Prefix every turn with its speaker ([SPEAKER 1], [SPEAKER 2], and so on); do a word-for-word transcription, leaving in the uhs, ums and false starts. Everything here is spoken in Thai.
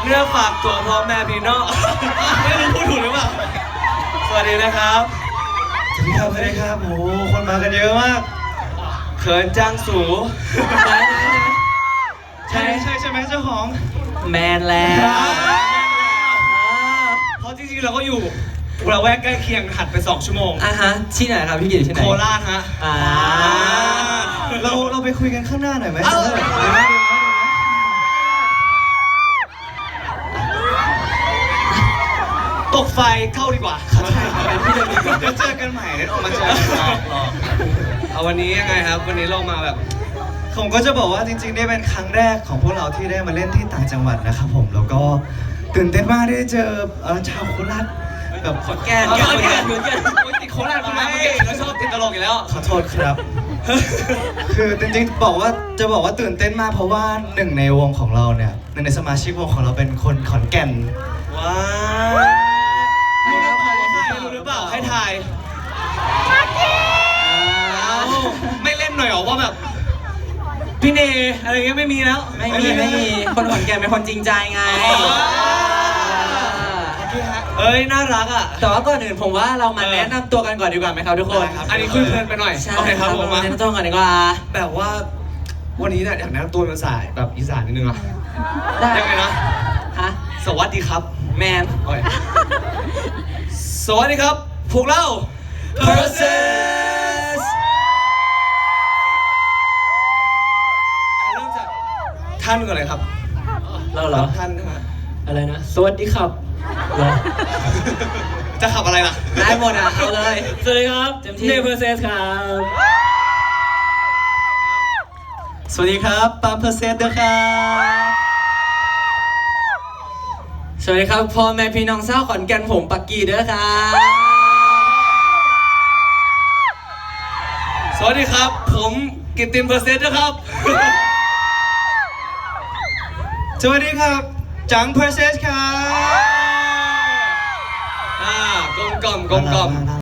[SPEAKER 1] เนื้อฝากตัวพ่อแม่พี่น้องไม่รู้พูดถูกหรือเปล่าสวัสดีนะครับสวัสดีครับสวัสดีครับโอ้คนมากันเยอะมากเขินจังสูใช่ใช่ใช่ไหมเจ้าของ
[SPEAKER 2] แมนแล้ว
[SPEAKER 1] เพราะจริงๆเราก็อยู่เราแวกใกล้เคียงหัดไปสองชั่วโมง
[SPEAKER 2] อ่ะฮะที่ไหนครับพี่กิตที่ไหน
[SPEAKER 1] โคราชฮะ
[SPEAKER 2] อ่า
[SPEAKER 1] เราเราไปคุยกันข้างหน้าหน่อยไหมตกไฟเข้าดีกว่าเดี๋ยวเจอกันใหม่เดี๋ยวออกมาเจอกันเอาวันนี้ยังไงครับวันนี้เรามาแบบผมก็จะบอกว่าจริงๆนี่เป็นครั้งแรกของพวกเราที่ได้มาเล่นที่ต่างจังหวัดนะครับผมแล้วก็ตื่นเต้นมากที่ได้เจอชาวโคราชแบบขอนแก่นขอนแก่นขอนแก่นติดโคราชขึ้นมาเมื่อกี้เราชอบติดตลกอยู่แล้วขอโทษครับคือจริงๆบอกว่าจะบอกว่าตื่นเต้นมากเพราะว่าหนึ่งในวงของเราเนี่ยหนึ่งในสมาชิกวงของเราเป็นคนขอนแก่นว้าวรู้หรือเปล่าให้ทายไม่เล่นหน่อยหรอว่าแบบพี่เนอะไรเงี้ยไม่มีแล้ว
[SPEAKER 2] ไม่มีไม่มีคนขอนแก่นเป็นคนจริงใจไง
[SPEAKER 1] เอ้ยน่ารักอ่ะ
[SPEAKER 2] แต่ว่าก่อนอื่นผมว่าเรามาแนะนำตัวกันก่อนดีกว่าไหมครับทุกคน
[SPEAKER 1] อันนี้คุยเพลินไปหน่อย
[SPEAKER 2] โอเคครับผมมาแนะนำตัวก่อนดีกว่า
[SPEAKER 1] แบบว่าวันนี้เนี่ยอยากแนะนำตัวเป็นสายแบบอีสานนิดนึงอ่ะยังไงนะ
[SPEAKER 2] ฮะ
[SPEAKER 1] สวัสดีครับ
[SPEAKER 2] แมน
[SPEAKER 1] สวัสดีครับพวกเรา
[SPEAKER 2] Process
[SPEAKER 1] เริ่มจากท่านก่อนเลยครับ
[SPEAKER 2] เราเหรอ
[SPEAKER 1] ท่านฮะ
[SPEAKER 2] อะไรนะสวัสดีครับ
[SPEAKER 1] จะขับอะไรล่ะ
[SPEAKER 2] ได้หมดอ่ะเอาเลย
[SPEAKER 1] สวัสดีครับเนเ Process ครับ
[SPEAKER 2] สวัสดีครับปาล์ม Process ด้วยครับสวัสดีครับพ่อแม่พี่น้องชาวขอนแก่นผมปักกี้ด้วยครับ
[SPEAKER 1] สวัสดีครับผมกิตตินเปอร์เซ็นต์นะครับสวัสดีครับจังเพอร์เซ็นต์ครับอ่ากลมกล่อมกลมกล่อม